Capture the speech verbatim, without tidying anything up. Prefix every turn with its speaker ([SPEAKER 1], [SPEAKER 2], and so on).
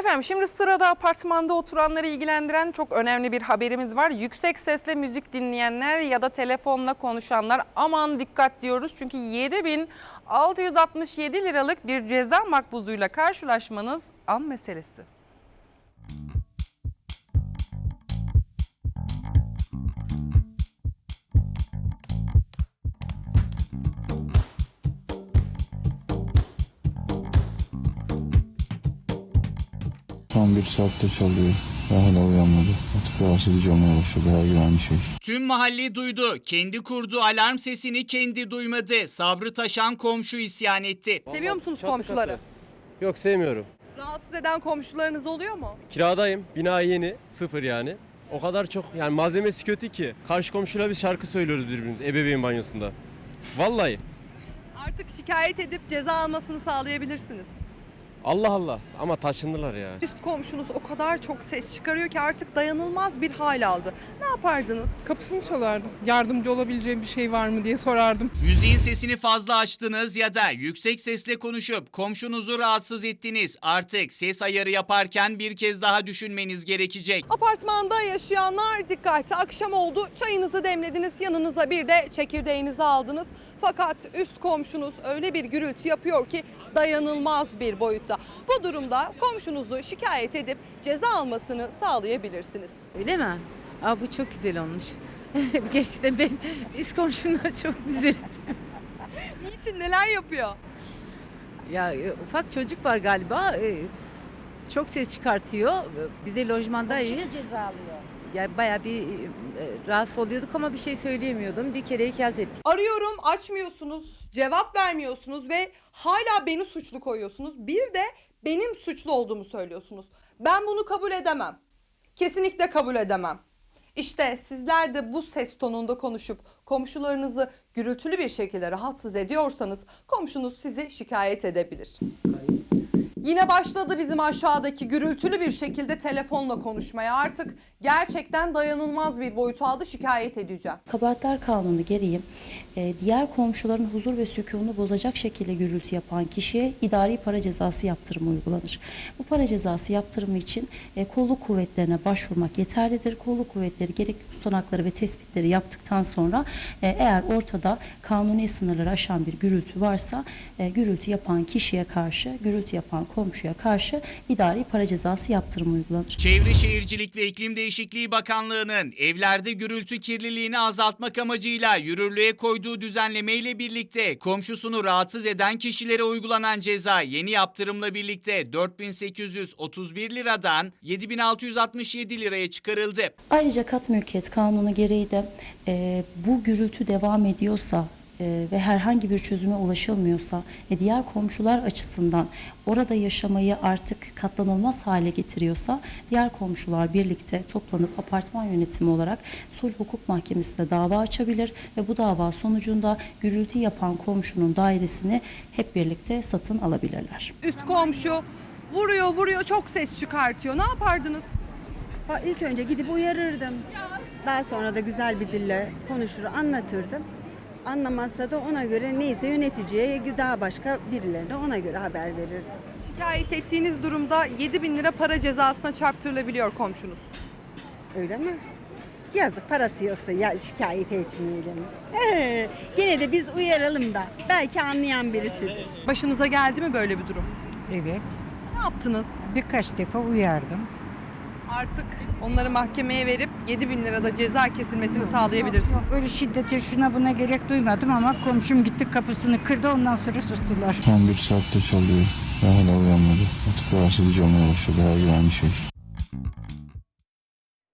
[SPEAKER 1] Efendim şimdi sırada apartmanda oturanları ilgilendiren çok önemli bir haberimiz var. Yüksek sesle müzik dinleyenler ya da telefonla konuşanlar aman dikkat diyoruz. Çünkü yedi bin altı yüz altmış yedi liralık bir ceza makbuzuyla karşılaşmanız an meselesi.
[SPEAKER 2] Tam bir saatte çalıyor ve hala uyanmadı. Artık rahatsız edici olmaya başladı her gün aynı şey.
[SPEAKER 3] Tüm mahalle duydu. Kendi kurduğu alarm sesini kendi duymadı. Sabrı taşan komşu isyan etti.
[SPEAKER 4] Seviyor musunuz
[SPEAKER 5] Çatı
[SPEAKER 4] komşuları?
[SPEAKER 5] katı. Yok, sevmiyorum.
[SPEAKER 4] Rahatsız eden komşularınız oluyor mu?
[SPEAKER 5] Kiradayım. Bina yeni. Sıfır yani. O kadar çok yani malzemesi kötü ki. Karşı komşuyla biz şarkı söylüyoruz birbirimize ebeveyn banyosunda. Vallahi.
[SPEAKER 4] Artık şikayet edip ceza almasını sağlayabilirsiniz.
[SPEAKER 5] Allah Allah. Ama taşındılar ya.
[SPEAKER 4] Üst komşunuz o kadar çok ses çıkarıyor ki artık dayanılmaz bir hal aldı. Ne yapardınız?
[SPEAKER 6] Kapısını çalardım. Yardımcı olabileceğim bir şey var mı diye sorardım.
[SPEAKER 3] Müziğin sesini fazla açtınız ya da yüksek sesle konuşup komşunuzu rahatsız ettiniz. Artık ses ayarı yaparken bir kez daha düşünmeniz gerekecek.
[SPEAKER 4] Apartmanda yaşayanlar dikkat. Akşam oldu, çayınızı demlediniz, yanınıza bir de çekirdeğinizi aldınız. Fakat üst komşunuz öyle bir gürültü yapıyor ki dayanılmaz bir boyutta. Bu durumda komşunuzu şikayet edip ceza almasını sağlayabilirsiniz.
[SPEAKER 7] Öyle mi? Aa, bu çok güzel olmuş. Gerçekten ben biz komşumla çok güzel.
[SPEAKER 4] Niçin, neler yapıyor?
[SPEAKER 7] Ya e, ufak çocuk var galiba. e, Çok ses çıkartıyor. Biz de lojmandayız. Yani bayağı bir e, rahatsız oluyorduk ama bir şey söyleyemiyordum. Bir kere ikaz ettik.
[SPEAKER 4] Arıyorum, açmıyorsunuz, cevap vermiyorsunuz ve hala beni suçlu koyuyorsunuz. Bir de benim suçlu olduğumu söylüyorsunuz. Ben bunu kabul edemem. Kesinlikle kabul edemem. İşte sizler de bu ses tonunda konuşup komşularınızı gürültülü bir şekilde rahatsız ediyorsanız komşunuz sizi şikayet edebilir. Yine başladı bizim aşağıdaki gürültülü bir şekilde telefonla konuşmaya. Artık gerçekten dayanılmaz bir boyut aldı, şikayet edeceğim.
[SPEAKER 8] Kabahatler Kanunu gereği e, diğer komşuların huzur ve sükununu bozacak şekilde gürültü yapan kişiye idari para cezası yaptırımı uygulanır. Bu para cezası yaptırımı için e, kolluk kuvvetlerine başvurmak yeterlidir. Kolluk kuvvetleri gerekli tutanakları ve tespitleri yaptıktan sonra e, eğer ortada kanuni sınırları aşan bir gürültü varsa e, gürültü yapan kişiye karşı, gürültü yapan komşuya karşı idari para cezası yaptırımı uygulanır.
[SPEAKER 3] Çevre Şehircilik ve İklim Değişikliği Bakanlığı'nın evlerde gürültü kirliliğini azaltmak amacıyla yürürlüğe koyduğu düzenlemeyle birlikte komşusunu rahatsız eden kişilere uygulanan ceza yeni yaptırımla birlikte dört bin sekiz yüz otuz bir liradan yedi bin altı yüz altmış yedi liraya çıkarıldı.
[SPEAKER 8] Ayrıca kat mülkiyet kanunu gereği de e, bu gürültü devam ediyorsa e, ve herhangi bir çözüme ulaşılmıyorsa ve diğer komşular açısından orada yaşamayı artık katlanılmaz hale getiriyorsa diğer komşular birlikte toplanıp apartman yönetimi olarak sulh hukuk mahkemesine dava açabilir ve bu dava sonucunda gürültü yapan komşunun dairesini hep birlikte satın alabilirler.
[SPEAKER 4] Üst komşu vuruyor vuruyor çok ses çıkartıyor. Ne yapardınız?
[SPEAKER 9] İlk önce gidip uyarırdım. Daha sonra da güzel bir dille konuşur, anlatırdım. Anlamazsa da ona göre neyse yöneticiye, daha başka birilerine ona göre haber verirdim.
[SPEAKER 4] Şikayet ettiğiniz durumda yedi bin lira para cezasına çarptırılabiliyor komşunuz.
[SPEAKER 9] Öyle mi? Yazık, parası yoksa ya şikayet etmeyelim. Ee, gene de biz uyaralım da belki anlayan birisidir.
[SPEAKER 4] Başınıza geldi mi böyle bir durum?
[SPEAKER 10] Evet,
[SPEAKER 4] Ne yaptınız?
[SPEAKER 10] birkaç defa uyardım.
[SPEAKER 4] Artık onları mahkemeye verip yedi bin lirada ceza kesilmesini sağlayabilirsiniz.
[SPEAKER 10] Öyle şiddete şuna buna gerek duymadım ama komşum gitti kapısını kırdı, ondan sonra sustular.
[SPEAKER 2] Tam bir saatte çalıyor ve hala uyanmadı. Artık rahatsız edici olmaya başladı her gün aynı şey.